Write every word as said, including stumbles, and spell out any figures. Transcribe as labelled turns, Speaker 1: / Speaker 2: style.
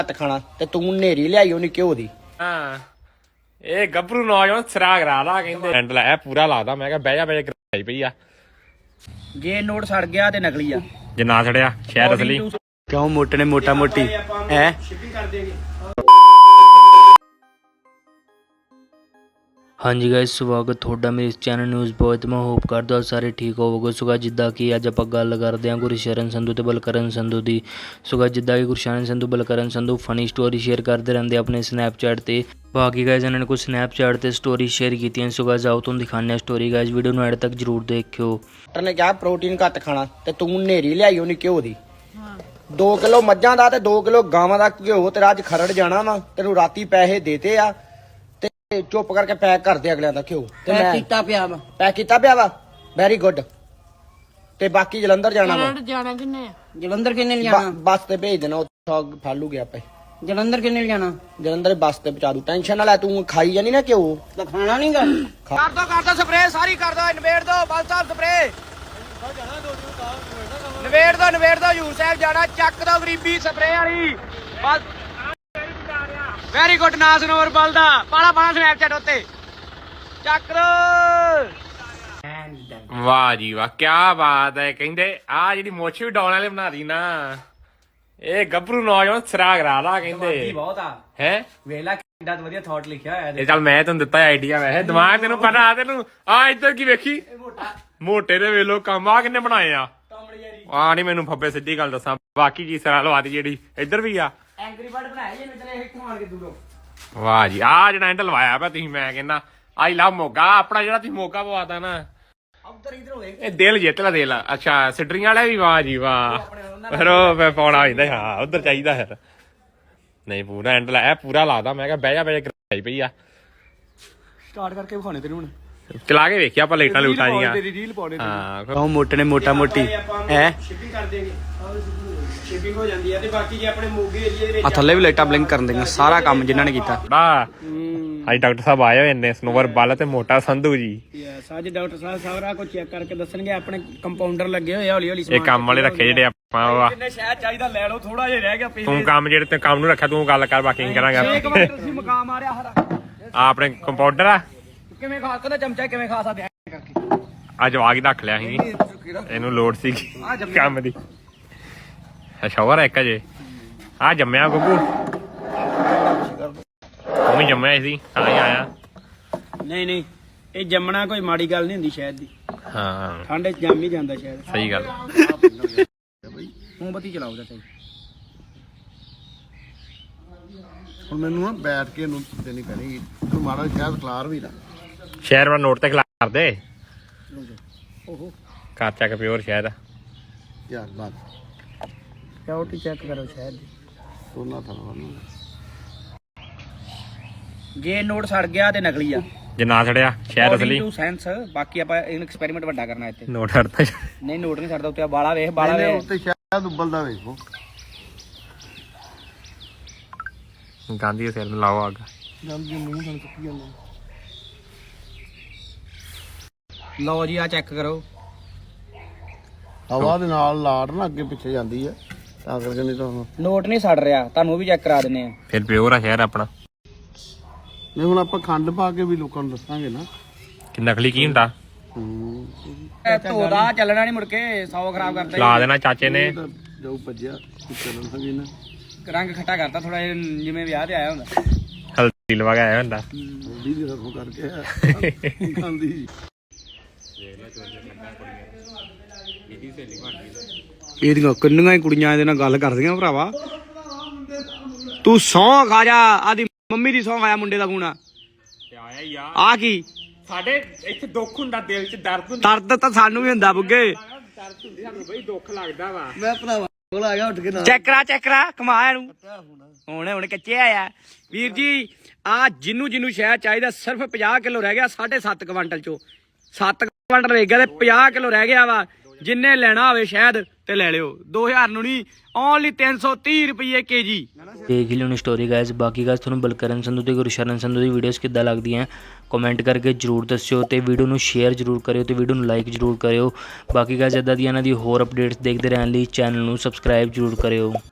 Speaker 1: ਘੱਟ ਖਾਣਾ ਤੇ ਤੂੰ ਨੇਰੀ ਲਿਆਈ ਉਹਨੇ ਘਿਓ ਦੀ।
Speaker 2: ਹਾਂ ਇਹ ਗੱਭਰੂ ਨੌਜਵਾਨ ਸਿਰਾ ਕਰਾ ਲਾ ਕਹਿੰਦੇ ਹੈਂਡਲ ਇਹ ਪੂਰਾ ਲਾਦਾ। ਮੈਂ ਕਿਹਾ ਬਹਿ ਜਾ ਬਹਿ ਜਾ ਕਰਾਈ ਪਈ ਆ।
Speaker 1: ਜੇ ਨੋਟ ਸੜ ਗਿਆ ਤੇ ਨਕਲੀ ਆ,
Speaker 2: ਜੇ ਨਾ ਛੜਿਆ ਸ਼ਹਿਰ ਅਸਲੀ।
Speaker 1: ਕਿਉਂ ਮੋਟੇ ਨੇ ਮੋਟਾ ਮੋਟੀ ਹੈ।
Speaker 3: ਹਾਂਜੀ ਗਾਇਸ, ਸਵਾਗਤ ਤੁਹਾਡਾ ਮੇਰੇ ਇਸ ਚੈਨਲ ਨਿਊਜ਼ ਬॉय ਤੇ। ਮੈਂ ਹੋਪ ਕਰਦਾ ਸਾਰੇ ਠੀਕ ਹੋਵੋਗੇ। ਸੋ ਗਾਇਸ ਜਿੱਦਾਂ ਕਿ ਅੱਜ ਆਪਾਂ ਗੱਲ ਕਰਦੇ ਹਾਂ ਗੁਰਸ਼ਰਨ ਸੰਧੂ ਤੇ ਬਲਕਰਨ ਸੰਧੂ ਦੀ। ਸੋ ਗਾਇਸ ਜਿੱਦਾਂ ਕਿ Gursharan Sandhu Balkaran Sandhu funny story share ਕਰਦੇ ਰਹਿੰਦੇ ਆਪਣੇ ਸਨੈਪਚੈਟ ਤੇ। ਬਾਕੀ ਗਾਇਸ ਇਹਨਾਂ ਨੇ ਕੁਝ ਸਨੈਪਚੈਟ ਤੇ ਸਟੋਰੀ ਸ਼ੇਅਰ ਕੀਤੀਆਂ। ਸੋ ਗਾਇਸ ਆਓ ਤੁਹਾਨੂੰ ਦਿਖਾਉਂਦੇ ਹਾਂ ਸਟੋਰੀ। ਗਾਇਸ ਵੀਡੀਓ ਨੂੰ ਐਡ ਤੱਕ ਜਰੂਰ ਦੇਖਿਓ।
Speaker 1: ਡਾਕਟਰ ਨੇ ਕਿਹਾ ਪ੍ਰੋਟੀਨ ਘੱਟ ਖਾਣਾ ਤੇ ਤੂੰ ਨੇਰੀ ਲਿਆਈ ਉਹਨੇ ਘਿਓ ਦੀ। ਦੋ ਕਿਲੋ ਮੱਝਾਂ ਦਾ ਤੇ ਦੋ ਕਿਲੋ ਗਾਵਾਂ ਦਾ ਘਿਓ ਤੇਰਾ ਅੱਜ ਖਰੜ ਜਾਣਾ ਵਾ। ਤੈਨੂੰ ਰਾਤੀ ਪੈਸੇ ਦੇਤੇ ਆ ਤੇ ਚੁੱਪ ਕਰਕੇ ਪੈਕ ਕਰ ਦੇ ਅਗਲਿਆਂ ਦਾ ਘਿਓ। ਤੇ ਮੈਂ
Speaker 4: ਕੀਤਾ ਪਿਆ ਵਾ
Speaker 1: ਪੈਕ ਕੀਤਾ ਪਿਆ ਵਾ। Very good. ਤੇ ਬਾਕੀ ਜਲੰਧਰ ਜਾਣਾ ਵਾ।
Speaker 4: ਜਾਣਾ ਕਿੰਨੇ ਆ? ਜਲੰਧਰ ਕਿੰਨੇ ਲਿਜਾਣਾ?
Speaker 1: ਬੱਸ ਤੇ ਭੇਜ ਦੇਣਾ, ਉੱਥੋਂ ਫਾਲੂ ਗਿਆ ਆਪੇ।
Speaker 4: ਜਲੰਧਰ ਕਿੰਨੇ ਲਿਜਾਣਾ?
Speaker 1: ਜਲੰਧਰ ਬੱਸ ਤੇ ਪਹੁੰਚਾ ਦੂ। ਟੈਨਸ਼ਨ ਨਾ ਲੈ, ਤੂੰ ਖਾਈ ਜਾਨੀ ਨਾ ਘਿਓ।
Speaker 4: ਤਾਂ ਖਾਣਾ ਨਹੀਂਗਾ।
Speaker 1: ਕਰ ਦੋ ਕਰ ਦੋ ਸਪਰੇ ਸਾਰੀ ਕਰ ਦੋ। ਨਵੇੜ ਦੋ ਬਲ ਸਾਹਿਬ ਸਪਰੇ। ਨਵੇੜ ਦੋ ਨਵੇੜ ਦੋ ਹਜੂਰ ਸਾਹਿਬ ਜਾਣਾ। ਚੱਕ ਦੋ ਗਰੀਬੀ ਸਪਰੇ ਵਾਲੀ ਬਸ। Very good. ਨਾਸ ਨੋਰ ਬਲਦਾ ਪਾਲਾ ਪਾਲਾ ਸਨੈਪਚੈਟ ਉੱਤੇ ਚੱਕ ਦੋ।
Speaker 2: ਵਾਹ ਜੀ ਵਾਹ, ਕੀ ਬਾਤ ਹੈ। ਕਹਿੰਦੇ ਆ ਜਿਹੜੀ ਮੁੱਛ ਵੀ ਡਾਉਣ ਵਾਲੇ ਬਣਾ ਦੀ ਨਾ, ਇਹ ਗੱਭਰੂ ਨੌਜਵਾਨ ਸਿਰਾ ਕਰਾ ਲਾ ਕਹਿੰਦੇ
Speaker 1: ਬਹੁਤ ਆ
Speaker 2: ਹੈ।
Speaker 1: ਵੇਲਾ ਕਿੰਨਾ ਵਧੀਆ ਥਾਟ ਲਿਖਿਆ ਹੋਇਆ
Speaker 2: ਇਹ ਚੱਲ ਮੈਂ ਤੁਹਾਨੂੰ ਦਿੱਤਾ ਆਈਡੀਆ। ਵੈਸੇ ਦਿਮਾਗ ਤੈਨੂੰ ਪਤਾ ਆ ਤੈਨੂੰ। ਆ ਇੱਧਰ ਕੀ ਵੇਖੀ ਮੋਟੇ ਦੇ ਵੇਲੋ ਕੰਮ ਆ ਕਿੰਨੇ ਬਣਾਏ ਆ। ਆ ਨਹੀਂ ਮੈਨੂੰ ਫੱਬੇ ਸਿੱਧੀ ਗੱਲ ਦੱਸਾਂ। ਬਾਕੀ ਜੀ ਸਿਰਾ ਲਵਾ ਦੀ ਜਿਹੜੀ ਇੱਧਰ ਵੀ ਆ।
Speaker 1: ਐਂਗਰੀ ਬਰਡ ਬਣਾਇਆ ਜੇ ਤੇਰੇ ਇੱਥੋਂ ਆਣ ਕੇ ਦੂਰੋਂ।
Speaker 2: ਵਾਹ ਜੀ, ਆ ਜਿਹੜਾ ਹੈਂਡਲ ਲਵਾਇਆ ਪਿਆ ਤੁਸੀਂ। ਮੈਂ ਕਹਿੰਦਾ ਆਈ ਲਵ ਮੋਗਾ। ਆਪਣਾ ਜਿਹੜਾ ਤੁਸੀਂ ਮੋਗਾ ਪਵਾਤਾ ਨਾ,
Speaker 1: ਉਧਰ ਇਧਰ ਹੋਵੇ
Speaker 2: ਇਹ ਦਿਲ ਜਿੱਤ ਲਾ ਦਿਲ। ਅੱਛਾ ਸਿਡਰੀਆਂ ਵਾਲੇ ਵੀ। ਵਾਹ ਜੀ ਵਾਹ। ਫਿਰ ਉਹ ਮੈਂ ਪਾਉਣਾ ਹੁੰਦਾ। ਹਾਂ ਉਧਰ ਚਾਹੀਦਾ ਫਿਰ। ਨਹੀਂ ਪੂਰਾ ਹੈਂਡਲ ਇਹ ਪੂਰਾ ਲਾਦਾ। ਮੈਂ ਕਿਹਾ ਬਹਿ ਜਾ ਬਹਿ ਜਾ ਕਰਾਈ ਪਈ ਆ।
Speaker 1: ਸਟਾਰਟ ਕਰਕੇ ਵਿਖਾਣੇ ਤੈਨੂੰ ਹੁਣ।
Speaker 2: ਚਲਾ ਕੇ ਵੇਖਿਆ ਆਪਾਂ ਲਾਈਟਾਂ ਲੂਟਾਂ ਦੀਆਂ।
Speaker 1: ਤੇਰੀ ਰੀਲ ਪਾਉਣੇ
Speaker 2: ਹਾਂ
Speaker 1: ਕਿਉਂ ਮੋਟੇ ਨੇ ਮੋਟਾ ਮੋਟੀ ਹੈ।
Speaker 5: ਸ਼ਿਪਿੰਗ ਕਰ ਦੇਗੇ। ਸ਼ਿਪਿੰਗ ਹੋ ਜਾਂਦੀ ਹੈ। ਤੇ ਬਾਕੀ ਜੇ ਆਪਣੇ ਮੋਗੇ ਏਰੀਆ ਦੇ ਵਿੱਚ
Speaker 1: ਆ ਥੱਲੇ ਵੀ ਲਾਈਟਾਂ ਬਲਿੰਕ ਕਰਨ ਦੇਗਾ। ਸਾਰਾ ਕੰਮ ਜਿਨ੍ਹਾਂ ਨੇ ਕੀਤਾ।
Speaker 2: ਬਾ ਅੱਜ ਡਾਕਟਰ ਸਾਹਿਬ ਆਏ ਹੋਏ ਨੇ, ਸਨੋਵਰ ਬੱਲ ਤੇ ਮੋਟਾ ਸੰਧੂ ਜੀ।
Speaker 5: ਯੈਸ, ਅੱਜ ਡਾਕਟਰ ਸਾਹਿਬ ਸਾਰਾ ਕੁਝ ਚੈੱਕ ਕਰਕੇ ਦੱਸਣਗੇ। ਆਪਣੇ ਕੰਪਾਊਂਡਰ ਲੱਗੇ ਹੋਏ ਆ ਹੌਲੀ ਹੌਲੀ।
Speaker 2: ਇਹ ਕੰਮ ਵਾਲੇ ਰੱਖੇ ਜਿਹੜੇ ਆਪਾਂ।
Speaker 5: ਜਿੰਨੇ ਸ਼ਹਿਦ ਚਾਹੀਦਾ ਲੈ ਲਓ, ਥੋੜਾ ਜਿਹਾ ਰਹਿ ਗਿਆ ਪਿਛਲੇ।
Speaker 2: ਤੂੰ ਕੰਮ ਜਿਹੜੇ ਤੇ ਕੰਮ ਨੂੰ ਰੱਖਿਆ ਤੂੰ ਗੱਲ ਕਰ, ਬਾਕੀ ਨਹੀਂ ਕਰਾਂਗਾ।
Speaker 5: ਇੱਕ ਵਾਰ ਤੁਸੀਂ ਮਕਾਮ ਆ ਰਿਹਾ ਹਰਾ।
Speaker 2: ਆ ਆਪਣੇ ਕੰਪਾਊਂਡਰ ਆ।
Speaker 5: ਕਿਵੇਂ ਖਾ ਸਕਦਾ ਚਮਚਾ, ਕਿਵੇਂ ਖਾ ਸਕਦੇ ਐ ਕਰਕੇ।
Speaker 2: ਆ ਜਵਾਗ ਹੀ ਰੱਖ ਲਿਆ ਸੀ, ਇਹਨੂੰ ਲੋੜ ਸੀ ਕੰਮ ਦੀ। ਸ਼ਾਵਰ ਇੱਕ ਅਜੇ ਆ ਜੰਮਿਆ ਗੁੱਗੂ। ਤੂੰ ਵੀ ਜੰਮਿਆ ਸੀ ਤਾਂ ਹੀ ਆਇਆ।
Speaker 5: ਨਹੀਂ ਨਹੀਂ, ਇਹ ਜੰਮਣਾ ਕੋਈ ਮਾੜੀ ਗੱਲ ਨਹੀਂ ਹੁੰਦੀ ਸ਼ਹਿਦ ਦੀ।
Speaker 2: ਹਾਂ
Speaker 5: ਠੰਡ ਚ ਜੰਮ ਹੀ ਜਾਂਦਾ ਸ਼ਹਿਦ।
Speaker 2: ਸਹੀ ਗੱਲ।
Speaker 5: ਮੋਮਬੱਤੀ ਚਲਾਓ ਚਾਚਾ ਜੀ।
Speaker 6: ਹੁਣ ਮੈਨੂੰ ਨਾ ਬੈਠ ਕੇ ਇਹਨੂੰ ਦੇਣੀ ਪੈਣੀ। ਤੂੰ ਮਾੜਾ ਸ਼ਾਇਦ ਖਲਾਰ ਵੀ ਨਾ।
Speaker 2: ਸ਼ਹਿਰ ਵਾਲਾ ਨੋਟ ਤੇ ਖਿਲਾ ਦੇ। ਘਰ ਚੱਕ ਪਿਓਰ ਸ਼ਹਿਰ।
Speaker 6: ਯਾਰ ਬਾਤ
Speaker 5: ਸਿਕਿਉਰਿਟੀ ਚੈੱਕ ਕਰੋ ਸ਼ਹਿਦ ਦੀ।
Speaker 6: ਸੋਨਾ ਥਾਣਾ ਨੂੰ
Speaker 1: ਜੇ ਨੋਟ ਸੜ ਗਿਆ ਤੇ ਨਕਲੀ ਆ।
Speaker 2: ਜੇ ਨਾ ਛੜਿਆ ਸ਼ਹਿਰ ਅਸਲੀ।
Speaker 1: ਟੂ ਸੈਂਸ। ਬਾਕੀ ਆਪਾਂ ਇਹਨੂੰ ਐਕਸਪੈਰੀਮੈਂਟ ਵੱਡਾ ਕਰਨਾ ਇੱਥੇ।
Speaker 2: ਨੋਟ ਹੜਦਾ
Speaker 1: ਨਹੀਂ ਨੋਟ ਨਹੀਂ ਛੱਡਦਾ ਉੱਤੇ। ਬਾਲਾ ਵੇਖ ਬਾਲਾ
Speaker 6: ਇਹਨੇ
Speaker 1: ਵੇਖ।
Speaker 6: ਉੱਤੇ ਸ਼ਾਇਦ ਉਬਲਦਾ ਵੇਖੋ।
Speaker 2: ਗਾਂਧੀ ਦੇ ਸਿਰ ਨੂੰ ਲਾਓ ਅੱਗ।
Speaker 6: ਜਲਦੀ ਮੂੰਹ ਨਾਲ ਚੁੱਕੀ ਜਾਂਦਾ।
Speaker 1: ਲਓ ਜੀ ਆ ਚੈੱਕ ਕਰੋ।
Speaker 6: ਹਵਾ ਦੇ ਨਾਲ ਲਾਟ ਨਾ ਅੱਗੇ ਪਿੱਛੇ ਜਾਂਦੀ ਹੈ, ਤਾਂ ਕਰਕੇ ਨਹੀਂ ਤਾਂ ਹੁਣ
Speaker 1: ਨੋਟ ਨਹੀਂ ਸੜ ਰਿਹਾ। ਤੁਹਾਨੂੰ ਉਹ ਵੀ ਚੈੱਕ ਕਰਾ ਦਿੰਨੇ ਆ।
Speaker 2: ਫਿਰ ਪਿਓਰ ਆ ਸ਼ਹਿਰ ਆਪਣਾ।
Speaker 6: ਨਹੀਂ ਹੁਣ ਆਪਾਂ ਖੰਡ ਪਾ ਕੇ ਵੀ ਲੋਕਾਂ ਨੂੰ ਦੱਸਾਂਗੇ ਨਾ।
Speaker 2: ਕਿ ਨਕਲੀ ਕੀ ਹੁੰਦਾ।
Speaker 6: ਹੂੰ
Speaker 1: ਧੋਦਾ ਚੱਲਣਾ ਨਹੀਂ ਮੁੜ ਕੇ। ਸੌ ਖਰਾਬ ਕਰਦਾ
Speaker 2: ਲਾ ਦੇਣਾ ਚਾਚੇ ਨੇ।
Speaker 6: ਇਹ ਤਾਂ ਜੋ ਭੱਜਿਆ ਚੱਲਣ ਸਕੀ ਨਾ।
Speaker 1: ਰੰਗ ਖੱਟਾ ਕਰਤਾ ਥੋੜਾ ਜਿਹਾ, ਜਿਵੇਂ ਵਿਆਹ ਤੇ ਆਇਆ ਹੁੰਦਾ।
Speaker 2: ਹਲਦੀ ਲਵਾ ਕੇ ਆਇਆ ਹੁੰਦਾ।
Speaker 6: ਹਲਦੀ ਦੀ ਰਸਮ ਕਰਕੇ ਖਾਂਦੀ।
Speaker 1: ਇਹਦੀਆਂ ਕਿੰਨੀਆਂ ਹੀ ਕੁੜੀਆਂ ਇਹਦੇ ਨਾਲ ਗੱਲ ਕਰਦੀਆਂ ਭਰਾਵਾ। ਤੂੰ ਸੌਂ ਖਾ ਜਾ। ਆਦੀ ਮੰਮੀ ਦੀ ਸੌਂ ਆਇਆ ਮੁੰਡੇ ਦਾ ਫੋਨ ਆ।
Speaker 2: ਆਇਆ ਹੀ ਆ।
Speaker 1: ਆ ਕੀ
Speaker 2: ਸਾਡੇ ਇੱਥੇ ਦੁੱਖ ਹੁੰਦਾ, ਦਿਲ 'ਚ ਦਰਦ ਹੁੰਦਾ।
Speaker 1: ਦਰਦ ਤਾਂ ਸਾਨੂੰ ਵੀ ਹੁੰਦਾ ਬੁੱਗੇ।
Speaker 2: ਦਰਦ ਹੁੰਦੀ ਸਾਨੂੰ ਬਈ, ਦੁੱਖ ਲੱਗਦਾ ਵਾ।
Speaker 6: ਮੈਂ ਭਰਾਵਾ ਕੋਲ ਆ ਗਿਆ ਉੱਠ ਕੇ ਨਾ।
Speaker 1: ਚੈੱਕ ਕਰਾ ਚੈੱਕ ਕਰਾ ਕਮਾ ਇਹਨੂੰ। ਹੁਣ ਹੁਣ ਕੱਚੇ ਆਇਆ ਵੀਰ ਜੀ। ਆ ਜਿੰਨੂੰ ਜਿੰਨੂੰ ਸ਼ਹਿਦ ਚਾਹੀਦਾ ਸਿਰਫ ਪੰਜਾਹ ਕਿਲੋ ਰਹਿ ਗਿਆ। ਸਾਢੇ ਸੱਤ ਕੁਆਂਟਲ ਚੋਂ ਸੱਤ ਕੁਆਂਟਲ ਰਹਿ ਗਿਆ ਤੇ ਪੰਜਾਹ ਕਿਲੋ ਰਹਿ ਗਿਆ ਵਾ। ਜਿੰਨੇ ਲੈਣਾ ਹੋਵੇ ਸ਼ਹਿਦ ਤੇ ਲੈ ਲਿਓ। ਦੋ ਹਜ਼ਾਰ ਨੂੰ ਨਹੀਂ, ਓਨਲੀ ਤਿੰਨ ਸੌ ਤੀਹ ਰੁਪਏ ਕੇ ਜੀ।
Speaker 3: ਦੇਖ ਲਿਓ ਸਟੋਰੀ ਗਾਇਸ। ਬਾਕੀ ਗਾਇਸ ਤੁਹਾਨੂੰ ਬਲਕਰਨ ਸੰਧੂ ਤੇ ਗੁਰਸ਼ਰਨ ਸੰਧੂ ਦੀ ਵੀਡੀਓਜ਼ ਕਿੱਦਾਂ ਲੱਗਦੀਆਂ ਕਮੈਂਟ ਕਰਕੇ ਜਰੂਰ ਦੱਸਿਓ। ਤੇ ਵੀਡੀਓ ਨੂੰ ਸ਼ੇਅਰ ਜਰੂਰ ਕਰਿਓ ਤੇ ਵੀਡੀਓ ਨੂੰ ਲਾਈਕ ਜਰੂਰ ਕਰਿਓ। ਬਾਕੀ ਗਾਇਸ ਇੱਦਾਂ ਦੀਆਂ ਇਹਨਾਂ ਦੀ ਹੋਰ ਅਪਡੇਟਸ ਦੇਖਦੇ ਰਹਿਣ ਲਈ ਚੈਨਲ ਨੂੰ ਸਬਸਕ੍ਰਾਈਬ ਜਰੂਰ ਕਰਿਓ।